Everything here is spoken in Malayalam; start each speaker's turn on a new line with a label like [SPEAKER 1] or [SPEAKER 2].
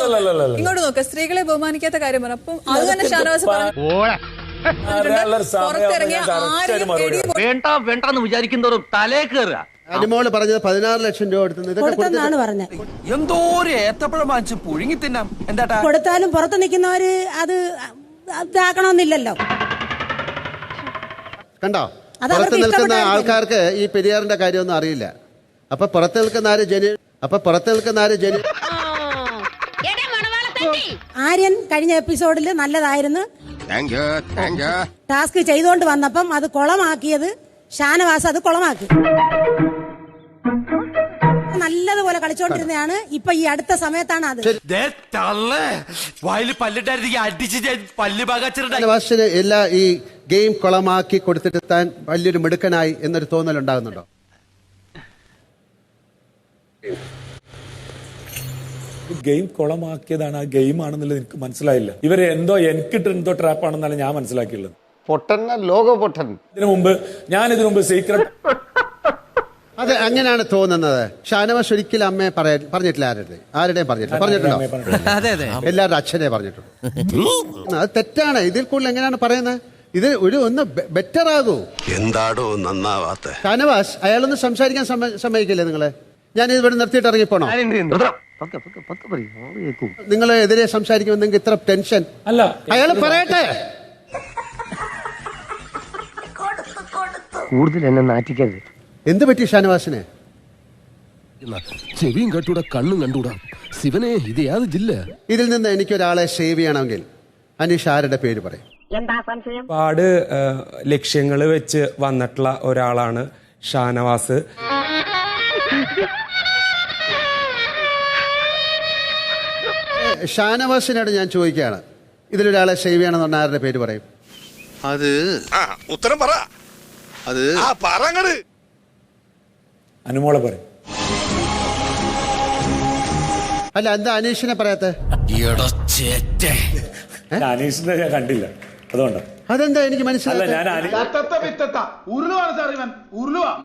[SPEAKER 1] ഇങ്ങോട്ട് നോക്ക, സ്ത്രീകളെ ബഹുമാനിക്കാത്ത കാര്യം പറഞ്ഞു. അപ്പം അത് തന്നെ ഷാനവാസ് പറഞ്ഞു. പുറത്തിറങ്ങിയ ആരെയും
[SPEAKER 2] വേണ്ടെന്ന് വിചാരിക്കുന്നവരും തലേ കയറുക.
[SPEAKER 3] അനുമോള് പറഞ്ഞത് 16 ലക്ഷം രൂപ കൊടുത്തെന്നാണ് പറഞ്ഞത്.
[SPEAKER 4] എന്തോ ഒരു ഏത്തപ്പഴം വാങ്ങിച്ച് പുഴുങ്ങി തിന്നാം. എന്താ
[SPEAKER 5] കൊടുത്താലും പുറത്ത് നിൽക്കുന്നവര് അത് ഇതാക്കണമെന്നില്ലല്ലോ.
[SPEAKER 3] കണ്ടോ, പുറത്ത് നിൽക്കുന്ന ആൾക്കാർക്ക് ഈ പെരിയാറിന്റെ കാര്യമൊന്നും അറിയില്ല. അപ്പൊ പുറത്ത് നിൽക്കുന്ന ആര്
[SPEAKER 5] ആര്യൻ കഴിഞ്ഞ എപ്പിസോഡിൽ നല്ലതായിരുന്നു. ടാസ്ക് ചെയ്തുകൊണ്ട് വന്നപ്പം അത് കുളമാക്കിയത് ഷാനവാസ്. അത് കുളമാക്കി. നല്ലതുപോലെ കളിച്ചോണ്ടിരുന്നതാണ്. ഇപ്പൊ ഈ അടുത്ത സമയത്താണ് അത്.
[SPEAKER 3] ഷാനവാസിന് എല്ലാ ഈ ഗെയിം കുളമാക്കി കൊടുത്തിട്ട് താൻ വലിയൊരു മിടുക്കനായി എന്നൊരു തോന്നൽ ഉണ്ടാകുന്നുണ്ടോ?
[SPEAKER 6] ഗെയിം കുളമാക്കിയതാണ്, ആ ഗെയിം ആണെന്നുള്ളത് എനിക്ക് മനസ്സിലായില്ല. ഇവര് എനിക്കിട്ട് ട്രാപ്പാണെന്നാണ് ഞാൻ മനസ്സിലാക്കിയുള്ളത്. ഇതിനു മുമ്പ് സീക്രട്ട്
[SPEAKER 3] അത് അങ്ങനെയാണ് തോന്നുന്നത്. ഷാനവാസ് ഒരിക്കലും അമ്മയെ പറഞ്ഞിട്ടില്ല. ആരുടെയും പറഞ്ഞിട്ടുണ്ടോ? എല്ലാവരുടെ അച്ഛനെ പറഞ്ഞിട്ടുണ്ട്. അത് തെറ്റാണ്. ഇതിൽ കൂടുതൽ എങ്ങനെയാണ് പറയുന്നത്? ഇത് ഒന്ന് ബെറ്റർ ആകൂ. എന്താടോ നന്നാവാത്ത ഷാനവാസ്? അയാളൊന്ന് സംസാരിക്കാൻ സമ്മതിക്കില്ലേ നിങ്ങളെ? ഞാൻ ഇവിടെ നിർത്തിയിട്ട് ഇറങ്ങിപ്പോണോ? നിങ്ങളെ എതിരെ സംസാരിക്കുമ്പോൾ നിങ്ങൾക്ക് ഇത്ര ടെൻഷൻ?
[SPEAKER 6] അല്ല,
[SPEAKER 3] അയാൾ പറയട്ടെ.
[SPEAKER 2] കൂടുതൽ എന്നെ നാറ്റിക്കരുത്.
[SPEAKER 3] എന്ത് പറ്റി ഷാനവാസിനെ?
[SPEAKER 7] ചെവിയും കണ്ടൂടാ, കണ്ണും കണ്ടൂടാ. ശിവനെ, ഇത് യാത് ജില്ല.
[SPEAKER 3] ഇതിൽ നിന്ന് എനിക്കൊരാളെ സേവ് ചെയ്യണമെങ്കിൽ അനീഷ് ആരുടെ പേര് പറയും?
[SPEAKER 8] ഒരുപാട് ലക്ഷ്യങ്ങൾ വെച്ച് വന്നിട്ടുള്ള ഒരാളാണ് ഷാനവാസ്.
[SPEAKER 3] ഷാനവാസിനോട് ഞാൻ ചോദിക്കുകയാണ്, ഇതിലൊരാളെ സേവ് ചെയ്യണമെന്ന് പറഞ്ഞാൽ ആരുടെ പേര് പറയും?
[SPEAKER 9] അത് ഉത്തരം പറ. അത്
[SPEAKER 6] അനുമോളെ പറയും.
[SPEAKER 3] അല്ല, എന്താ അനീഷിനെ പറയാത്ത?
[SPEAKER 6] അനീഷിനെ ഞാൻ കണ്ടില്ല, അതുകൊണ്ടാണ്.
[SPEAKER 3] അതെന്താ എനിക്ക് മനസ്സിലായി.
[SPEAKER 6] ഞാൻ